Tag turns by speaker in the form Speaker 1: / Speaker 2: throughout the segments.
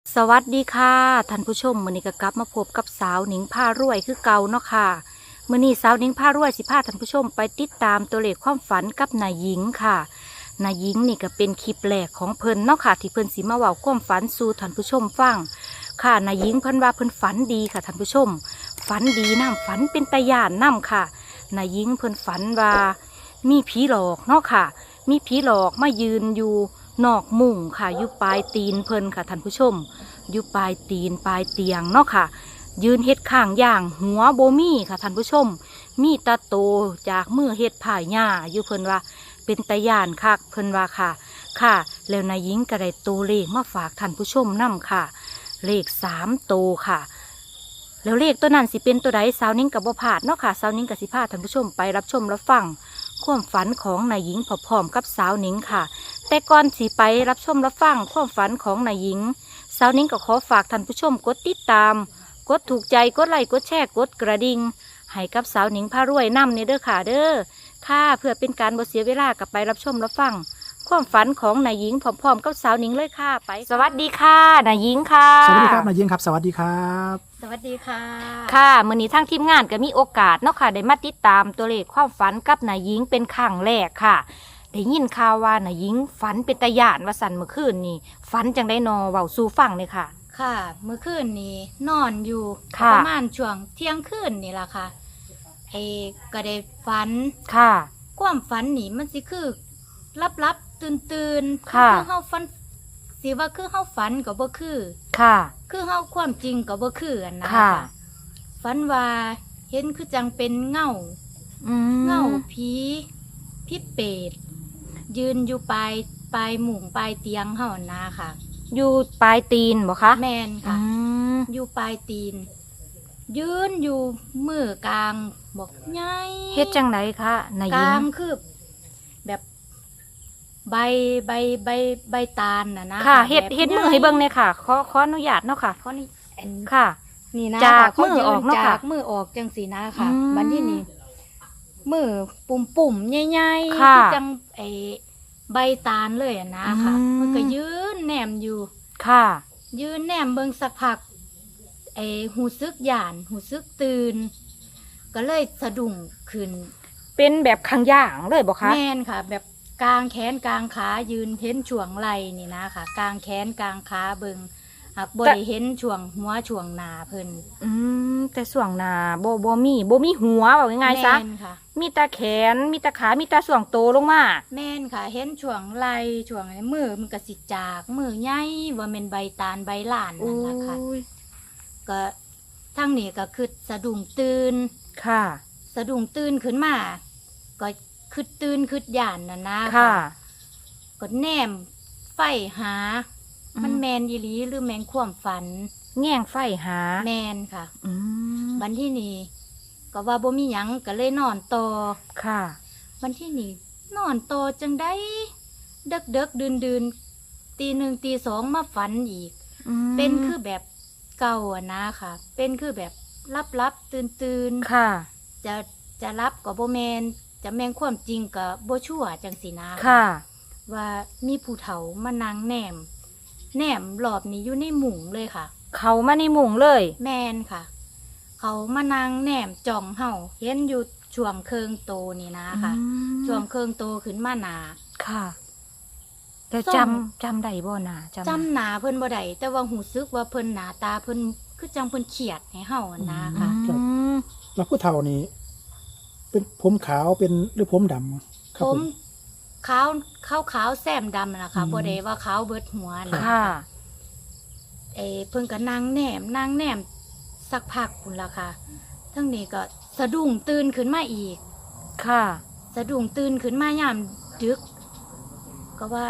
Speaker 1: สวัสดีค่ะท่านผู้ชมมื้อนี้ก็กลับมาพบกับสาวหนิงผ้ารวยคือเก่าเนาะค่ะมื้อนี้สาวหนิงผ้ารวยสิพาท่านผู้ชมไปติดตามตัวเลขความฝันกับนายหญิงค่ะนายหญิงนี่ก็เป็นคลิปแรกของเพิ่นเนาะค่ะที่เพิ่นสิมาเว้าความฝันสู่ท่านผู้ชมฟังค่ะนายหญิงเพิ่นว่าเพิ่นฝันดีค่ะท่านผู้ชมฝันดีน้ำฝันเป็นตาย่านน้ำค่ะนายหญิงเพิ่นฝันว่ามีผีหลอกเนาะค่ะมีผีหลอกมายืนอยู่นอกมุ้งค่ะอยู่ปลายตีนเพิ่นค่ะท่านผู้ชม อยู่ปลายตีนปลายเตียงเนาะค่ะยืนเฮ็ดข้างย่างหัวโบมี่ค่ะท่านผู้ชมมีตาโตจากมือเฮ็ดผ่ายหญ้าอยู่เพิ่นว่าเป็นตาย่านคักเพิ่นว่าค่ะค่ะแล้วนายหญิงก็ได้ตัวเลขมาฝากท่านผู้ชมนํค่ะเลข3 ตัวค่ะแล้วเลขตัวนั้นสิเป็นตัวใดสาวนิ้งกับบ่พลาดเนาะค่ะสาวนิ้งกับสิพาท่านผู้ชมไปรับชมรับฟังความฝันของนายหญิงพร้อมๆกับสาวนิ้งค่ะแต่ก่อนสิไปรับชมรับฟังความฝันของนายหญิงสาวนิ้งก็ขอฝากท่านผู้ชมกดติดตามกดถูกใจกดไลค์กดแชร์กดกระดิ่งให้กับสาวนิ้งพารวยนำเนี่ยเด้อค่ะเด้อค่ะเพื่อเป็นการบ่เสียเวลากับไปรับชมรับฟังความฝันของนายหญิงพร้อมๆกับสาวนิ้งเลยค่ะไปสวัสดีค่ะนายหญิงค่ะ
Speaker 2: สวัสดีครับนายยิงครับสวัสดีครับ
Speaker 3: สวัสดีค่ะ
Speaker 1: ค่ะมื้อนี้ทางทีมงานก็มีโอกาสเนาะค่ะได้มาติดตามตัวเลขความฝันกับนายหญิงเป็นครั้งแรกค่ะได้ยินข่าวว่านายหญิงฝันเป็นตาย่านว่าสั่นเมื่อคืนนี่ฝันจังได้นอเว้าสู่ฟังเลยค่ะ
Speaker 3: ค่ะ เมื่อคืนนี้นอนอยู่
Speaker 1: ค่ะ
Speaker 3: ประมาณช่วงเที่ยงคืนนี่ล่ะค่ะก็ได้ฝัน
Speaker 1: ค่ะ
Speaker 3: ความฝันนี่มันสิคือลับๆตื่นๆ
Speaker 1: ค่ะ
Speaker 3: คือเฮาฝันสิว่าคือเฮาฝันก็บ่คือ
Speaker 1: ค่ะ
Speaker 3: คือเฮาความจริงก็บ่คืออันนะ
Speaker 1: ค่ะ
Speaker 3: ฝันว่าเห็นคือจังเป็นเงา
Speaker 1: อืม
Speaker 3: เงาผีเปรตยืนอยู่ปลายหมุงปลายเตียงเฮานะค่ะ
Speaker 1: อยู่ปลายตีนบ่คะ
Speaker 3: แม่น
Speaker 1: อื
Speaker 3: ค่ะ
Speaker 1: ม
Speaker 3: อยู่ปลายตีน ยืนอยู่มือกลางบอกไง
Speaker 1: เฮ็ดจังไดคะนายห
Speaker 3: ก
Speaker 1: ญิง
Speaker 3: ลางคือแบบใบใบตาลนะ
Speaker 1: ค่ะ
Speaker 3: แบบ
Speaker 1: เฮ็ดมือให้เบิ่งเลยค่ะขออนุญาตเนาะค่ะ
Speaker 3: เขานี่อัน
Speaker 1: ค่ะ
Speaker 3: นี่นะ
Speaker 1: จาก
Speaker 3: ค่ะ
Speaker 1: มือออกเนาะค่ะ
Speaker 3: จากมือออกจังสีนะค่ะ
Speaker 1: อืม
Speaker 3: บัดที่นี่มือปุ่มใหญ่ๆ
Speaker 1: ค่ะ
Speaker 3: คือจังใบตาลเลยอะนะค่ะ
Speaker 1: อืม
Speaker 3: มันก็ยืนแนมอยู่
Speaker 1: ค่ะ
Speaker 3: ยืนแนมเบิ่งสักพักหูซึกหยานหูซึกตื่น ก็เลยสะดุ้งขึ้น
Speaker 1: เป็นแบบข้างย่างเลยบ่คะ
Speaker 3: แม่นค่ะ แบบกลางแขนกลางขายืนเห็นช่วงไหล่นี่นะค่ะ กลางแขนกลางขาเบิ่งหากบ่ได้เห็นช่วงหัวช่วงหน้าเพิ่น
Speaker 1: อืมแต่ส่วงหน้าบ่มีหัวว่าง่ายๆซะ
Speaker 3: แม่นค่ะ
Speaker 1: มีแต่แขนมีแต่ขามีแต่ส่วงโตลงมา
Speaker 3: แม่นค่ะ เห็นช่วงไหล่ช่วงมือมันก็สิจากมือใหญ่ว่าแม่นใบตาลใบหลานนั่นล่ะค่ะ
Speaker 1: อุ้ย
Speaker 3: ก็ทั้งนี้ก็คือสะดุ้งตื่น
Speaker 1: ค่ะ
Speaker 3: สะดุ้งตื่นขึ้นมา ก็คือตื่นคือหยานน่ะนะ
Speaker 1: ค่ะ
Speaker 3: ก็แนมไฟหา มันแมนยีหลีหรือแมงความฝัน
Speaker 1: แง่งไฟหา
Speaker 3: แมนค่ะ
Speaker 1: อืม
Speaker 3: วันที่นี่ก็ว่าบ่มีหยังก็เลยนอนต่อ
Speaker 1: ค่ะ
Speaker 3: วันที่นี่นอนต่อจังได้เด็กดื่นตีหนึ่งตีสองมาฝันอีก
Speaker 1: อืม
Speaker 3: เป็นคือแบบเก่าอะนะค่ะ เป็นคือแบบรับตื่น
Speaker 1: ค่ะ
Speaker 3: จะรับก็บ่แมนจะแมงความจริงก็บ่ชั่วจังสินะ
Speaker 1: ค่ะ
Speaker 3: ว่ามีผู้เฒ่ามานั่งแนมรอบนี้อยู่ในหมุงเลยค่ะ
Speaker 1: เขามาในมุงเลย
Speaker 3: แมนค่ะ เขามานั่งแนมจ้องเฮาเห็นอยู่ช่วงเคิงโตนี่นะค่ะ
Speaker 1: อืม
Speaker 3: ช่วงเคิงโตขึ้นมาหนา
Speaker 1: ค่ะแต่
Speaker 3: ส้ม
Speaker 1: จำได้บ่น่ะ
Speaker 3: จำหนาเพิ่นบ่ได้แต่ว่าหูซึกว่าเพิ่นหนาตาเพิ่นคือจังเพิ่นเขียดให้เฮาอะนะ
Speaker 1: อื
Speaker 3: ค่ะ
Speaker 1: ม
Speaker 2: แล้วผู้เฒ่านี่เป็นผมขาวเป็นหรือผมดำค
Speaker 3: ผ
Speaker 2: รับ
Speaker 3: มขาวแซมดำนะคะบ่ได้ว่าขาวเบิดหัวนะ
Speaker 1: ค่ะ
Speaker 3: เพิ่นก็นั่งแนมสักพักพุ่นละค่ะทั้งนี้ก็สะดุ้งตื่นขึ้นมาอีก
Speaker 1: ค่ะ
Speaker 3: สะดุ้งตื่นขึ้นมายามดึก ก็ว่า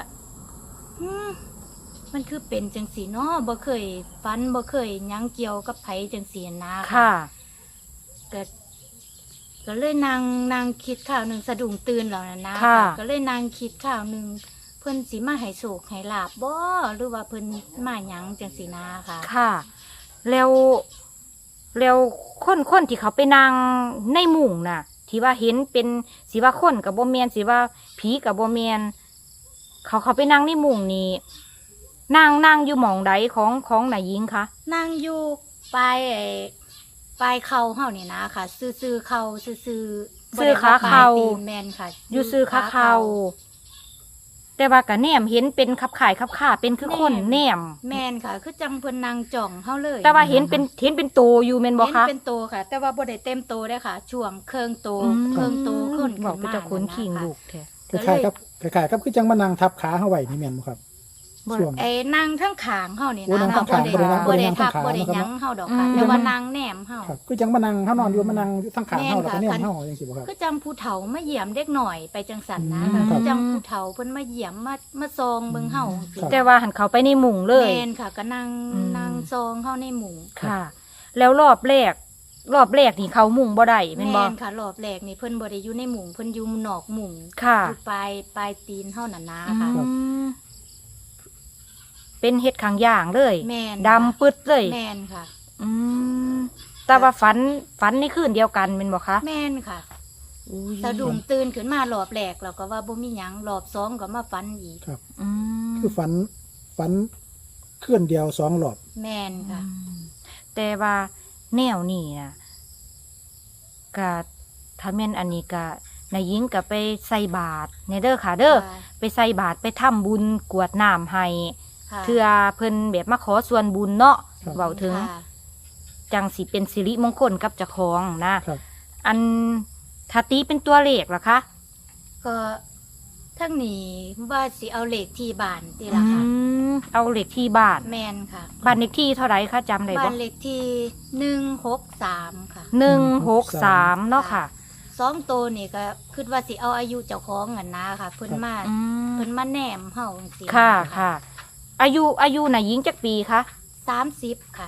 Speaker 3: มันคือเป็นจังสีเนาะบ่เคยฝันบ่เคยหยังเกี่ยวกับไผจังสีนะ
Speaker 1: ค่ะ
Speaker 3: ก็เลยนางคิดข่าวหนึ่งสะดุ้งตื่นแล้วนะ
Speaker 1: ค่ะ
Speaker 3: ก็เลยนางคิดข่าวหนึ่งเพิ่นสิมาให้โศกให้ลาบบ่หรือว่าเพิ่นมาหยังจังสีนาค่ะ
Speaker 1: ค่ะ แล้วคนที่เขาไปนั่งในมุงน่ะ ที่ว่าเห็นเป็นสีว่าคนกับโบเมียนสีว่าผีกับโบเมียนเขาไปนั่งในมุงนี่นั่งอยู่หม่องใดของนายหญิงคะ
Speaker 3: นั่งอยู่ปลายปลายเข่าเฮานี่นะค่ะซื่อๆเข่าซื่อๆบ่
Speaker 1: ซื้อ
Speaker 3: ได้
Speaker 1: ขา
Speaker 3: ว่ปลย
Speaker 1: เข่า
Speaker 3: ตีนแม่นค่ะ
Speaker 1: อยู่ซื้อขาเข่าแต่ว่ากะแนมเห็นเป็นขับข่ายขับข่าเป็นคือคนแนม
Speaker 3: แม่นค่ะ คือจังเพิ่นนางจ่องเฮาเลย
Speaker 1: แต่ว่าเห็นเป็นโตอยู่แม่นบ่
Speaker 3: เห็น
Speaker 1: คะ
Speaker 3: เป็นโตค่ะ แต่ว่าบ่ได้เต็มโตได้อค่ะ ช่วงเครื่องโต
Speaker 1: อืม
Speaker 3: เครื่องโตขึ้น
Speaker 1: บอกไป
Speaker 3: ขึ้น
Speaker 1: เจ้าคนขิง
Speaker 3: ะะ
Speaker 1: ลูกแท้
Speaker 2: คล้ายๆกับคือจังมานั่งทับขาเฮาไว้นี่แม่นบ่ครับ
Speaker 1: บ่
Speaker 2: ช่วง
Speaker 3: ไอ้นางทั้งขางเฮานี่
Speaker 2: โอ้
Speaker 3: นะ
Speaker 2: นางทั้งขาง
Speaker 3: บ่ได้
Speaker 2: บ่ได้นั่ง
Speaker 3: ทับ
Speaker 2: ทั้งขา
Speaker 3: บ่ได้หยังเฮาดอกค่ะ
Speaker 1: อืม
Speaker 3: แต่ว่านางแนมเฮา
Speaker 2: ครับคือจังมานั่งเฮานอนอยู่มานั่งทั้งขาเฮา
Speaker 3: แม่น
Speaker 2: แล้วก็
Speaker 3: ค่ะ
Speaker 2: แนมเฮาจังซี่บ่ครับ
Speaker 3: คือจังผู้เฒ่ามาเยี่ยมเด็กหน่อยไปจังสันนะ
Speaker 2: อืม
Speaker 3: คือจังผู้เฒ่าเพิ่นมาเยี่ยมมาซองเบิ่งเฮาสิ
Speaker 2: ครับ
Speaker 1: แต่ว่าหันเขาไปในหมุ่งเลย
Speaker 3: แม่นค่ะก็นั่ง
Speaker 1: อืม
Speaker 3: นั่งซองเฮาในหมู่
Speaker 1: ค่ะ แล้วรอบแรกนี่เขาหมุ่งบ่ได้แม่นบ่
Speaker 3: แม่นค่ะรอบแรกนี่เพิ่นบ่ได้อยู่ในหมู่เพิ่นอยู่นอกหมู่
Speaker 1: ค่ะ
Speaker 3: อยู่ปลายตีนเฮานั่นนะค่ะ
Speaker 1: อืมเป็นเห็ดขางย่างเลย
Speaker 3: แม่น
Speaker 1: ดำปึดเลย
Speaker 3: แม่นค่ะ
Speaker 1: อืมแต่ว่าฝันในคืนเดียวกันเป็นบ่คะ
Speaker 3: แม่นค่ะ
Speaker 1: อุ้ย
Speaker 3: สะดุ้งตื่นขึ้นมารอบแรกเราก็ว่าบ่มีหยังรอบสองก็มาฝันอีก
Speaker 2: ครับ
Speaker 1: อืม
Speaker 2: คือฝันเคลื่อนเดียว2รอบ
Speaker 3: แม่นค่ะ
Speaker 1: แต่ว่าแนวนี่นะก็ถ้าแม่นอันนี้ก็นายหญิงก็ไปใส่บาตรในเด้อค่ะ เด้อ
Speaker 3: ค่ะ
Speaker 1: ไปใส่บาตรไปทำบุญกรวดน้ำให้
Speaker 3: ค่ะ
Speaker 1: เพื่อเพิ่นแบบมาขอส่วนบุญเนาะ
Speaker 2: ครับ
Speaker 1: เว้าถึง
Speaker 3: ค่ะ
Speaker 1: จังสิเป็นสิริมงคลกับเจ้าของนะครับ อันถ้าตีเป็นตัวเลขล่ะคะ
Speaker 3: ก็ทั้งนี้ว่าสิเอาเลขที่บ้านติล่ะค่ะ
Speaker 1: เอาเลขที่บ้าน
Speaker 3: แม่นค่ะ
Speaker 1: บ้านเลขที่เท่าไหร่คะจำได้
Speaker 3: บ้า
Speaker 1: บ่
Speaker 3: นเลขที่163ค่ะ
Speaker 1: 163เนาะค่ะ
Speaker 3: สองโตวนี่ก็คิดว่าสิเอาอายุเจ้าของกันนะค่ะ เพิ่นมา
Speaker 1: อืม
Speaker 3: เพิ่นมาแนมเฮาจังซี่
Speaker 1: ค่ะค่ะ อายุน่ะหญิงจักปีคะ
Speaker 3: 30ค่ะ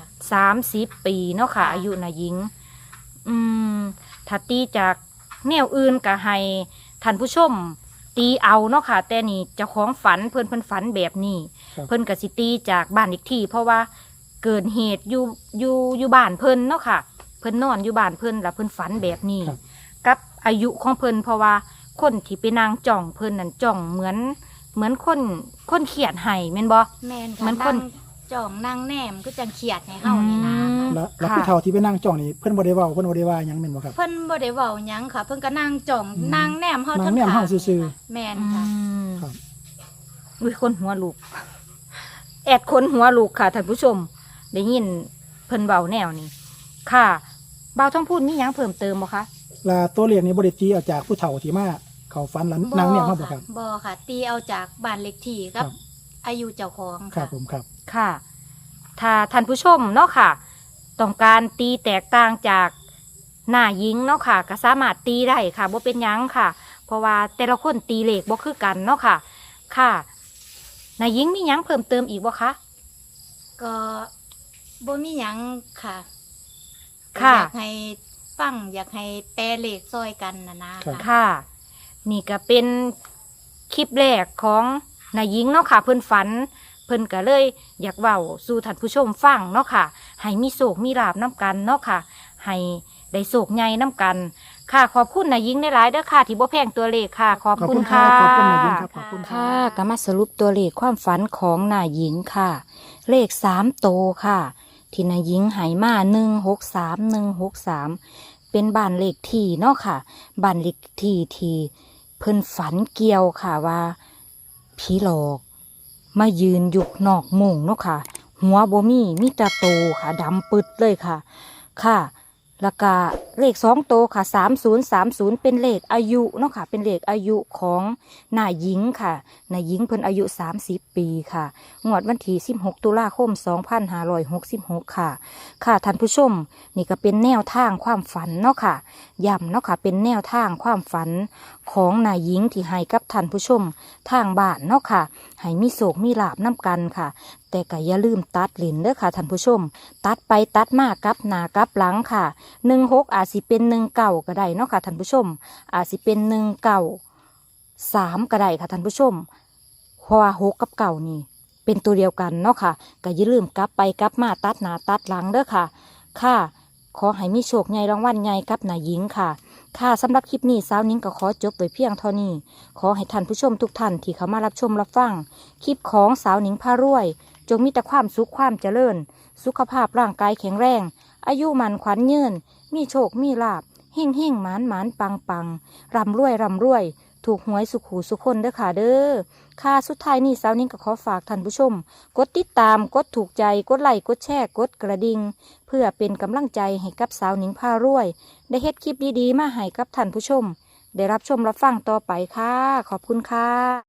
Speaker 1: 30 ปีเนาะค่ะ
Speaker 3: ค่ะ
Speaker 1: อายุน่ะหญิง ถ้าตีจากแนวอื่นก็ให้ท่านผู้ชม ตีเอาเนาะค่ะ แต่นี่เจ้าของฝันเพิ่นฝันแบบนี้
Speaker 2: ครับ
Speaker 1: เพิ่นก็สิตีจากบ้านอีกที่ เพราะว่าเกิดเหตุอยู่บ้านเพิ่นเนาะค่ะ เพิ่นนอนอยู่บ้านเพิ่นแล้วเพิ่นฝันแบบนี้
Speaker 2: ครับ
Speaker 1: กับอายุของเพิ่นเพราะว่าคนที่ไปนางจ่องเพิ่นนั่นจ่องเหมือนคนเขียดให้แม่นบ่
Speaker 3: แม่น
Speaker 1: เหมื
Speaker 3: ค่ะ
Speaker 1: อนคน
Speaker 3: นั่งจ่องนั่งแนมก็จังเขียดให้เฮานี่นะ
Speaker 1: อืม
Speaker 2: แล้ว
Speaker 1: ค่ะ
Speaker 2: ผู้เฒ่าที่ไปนั่งจ้องนี่เพิ่นบ่ได้เว้าเพิ่นบ่ได้ว่าหยังแม่นบ่ครับ
Speaker 3: เพิ่นบ่ได้เว้าหยังค่ะ เพิ่นก็นั่งจ่อง
Speaker 2: อืม
Speaker 3: นั่งแนมเฮา
Speaker 2: นั่
Speaker 3: ทั้
Speaker 2: ง
Speaker 3: ง
Speaker 2: แนมเฮา
Speaker 3: ขง
Speaker 2: ซื่อ
Speaker 3: แม่นค่ะ
Speaker 2: ครับ
Speaker 1: อุ้ยคนหัวลูก แอดคนหัวลูกค่ะท่านผู้ชม ได้ยินเพิ่นเบาแนวนี้ค่ะเบาต้องพูดมีหยังเพิ่มเติมบ่คะ
Speaker 2: ลาตัวเลขนี้บ่ได้ตีเอาจากผู้เฒ่าที่มาเข้าฝันหลังนั่งเนี่ยเฮาบ่ครับ
Speaker 3: บ่ค่ะ ตีเอาจากบ้านเลขที่กับ
Speaker 2: ครับ
Speaker 3: อายุเจ้าของ
Speaker 2: ครับ
Speaker 3: ค่ะ
Speaker 2: ผมครับ
Speaker 1: ค่ะ ถ้าท่านผู้ชมเนาะค่ะ ต้องการตีแตกต่างจากหน้าหญิงเนาะค่ะก็สามารถตีได้ค่ะบ่เป็นหยังค่ะ เพราะว่าแต่ละคนตีเลขบ่คือกันเนาะค่ะ ค่ะหน้าหญิงมีหยังเพิ่มเติมอีกบ่คะ
Speaker 3: ก็บ่มีหยังค่ะ
Speaker 1: ค่ะ
Speaker 3: อยากให้ฟังอยากให้แปลเลขซอยกันนะครับ คะ
Speaker 1: ค่ะ นี่ก็เป็นคลิปแรกของนายหญิงเนาะค่ะ เพิ่นฝัน เพิ่นก็เลยอยากเว้าสู่ท่านผู้ชมฟังเนาะค่ะ ให้มีโศกมีลาบน้ำกันเนาะค่ะ ให้ได้โศกใหญ่น้ำกัน ค่ะขอบคุณนายหญิงหลายๆเด้อค่ะ ที่บ่แพงตัวเลขค่ะ ขอบคุณค่ะ
Speaker 2: ขอบคุณนายหญิงครับขอบคุณครับ
Speaker 1: ค่ะก็มาสรุปตัวเลขความฝันของนายหญิงค่ะ เลข3 โตวค่ะ ที่นายหญิงใหายมา163เป็นบ้านเลขที่เนาะค่ะบ้านเลขที่ที่เพิ่นฝันเกี่ยวค่ะว่าผีหลอก มายืนอยู่นอกมุงเนาะค่ะ หัวบ่มีแต่โตค่ะดำปึดเลยค่ะ ค่ะ แล้วก็เลข2 โตวค่ะ3030เป็นเลขอายุเนาะค่ะ เป็นเลขอายุของนายหญิงค่ะนายหญิงเพิ่นอายุ30 ปีค่ะงวดวันที่16 ตุลาคม 2566 ค่ะ ค่ะท่านผู้ชม นี่ก็เป็นแนวทางความฝันเนาะค่ะย้ำเนาะค่ะเป็นแนวทางความฝันของนายหญิงที่ให้กับท่านผู้ชมทางบ้านเนาะค่ะให้มีโศกมีลาบน้ำกันค่ะ แต่ก็อย่าลืมตัดหลินเด้อค่ะท่านผู้ชม ตัดไปตัดมากลับหน้ากลับหลังค่ะ16อาจสิเป็น19ก็ได้เนาะค่ะท่านผู้ชม อาจสิเป็น193ก็ได้ค่ะท่านผู้ชมเพราะว่า6กับ9นี่ เป็นตัวเดียวกันเนาะค่ะก็อย่าลืมกลับไปกลับมาตัดหน้าตัดหลังเด้อค่ะ ค่ะ ขอให้มีโชคใหญ่รางวัลใหญ่กับนายหญิงค่ะค่ะสำหรับคลิปนี้สาวนิ้งก็ขอจบไว้เพียงเท่านี้ขอให้ท่านผู้ชมทุกท่านที่เข้ามารับชมรับฟังคลิปของสาวนิ้งพารวยจงมีแต่ความสุขความเจริญสุขภาพร่างกายแข็งแรงอายุมันขวัญยืนมีโชคมีลาภเฮ่งเฮ่งหมานหมานปังปังร่ำรวยร่ำรวยถูกหวยสุขหูสุขคนเด้อค่ะเด้อค่ะสุดท้ายนี้สาวนิ้งก็ขอฝากท่านผู้ชมกดติดตามกดถูกใจกดไลค์กดแชร์กดกระดิ่งเพื่อเป็นกำลังใจให้กับสาวนิ้งพารวยได้เฮ็ดคลิปดีๆมาให้กับท่านผู้ชมได้รับชมรับฟังต่อไปค่ะขอบคุณค่ะ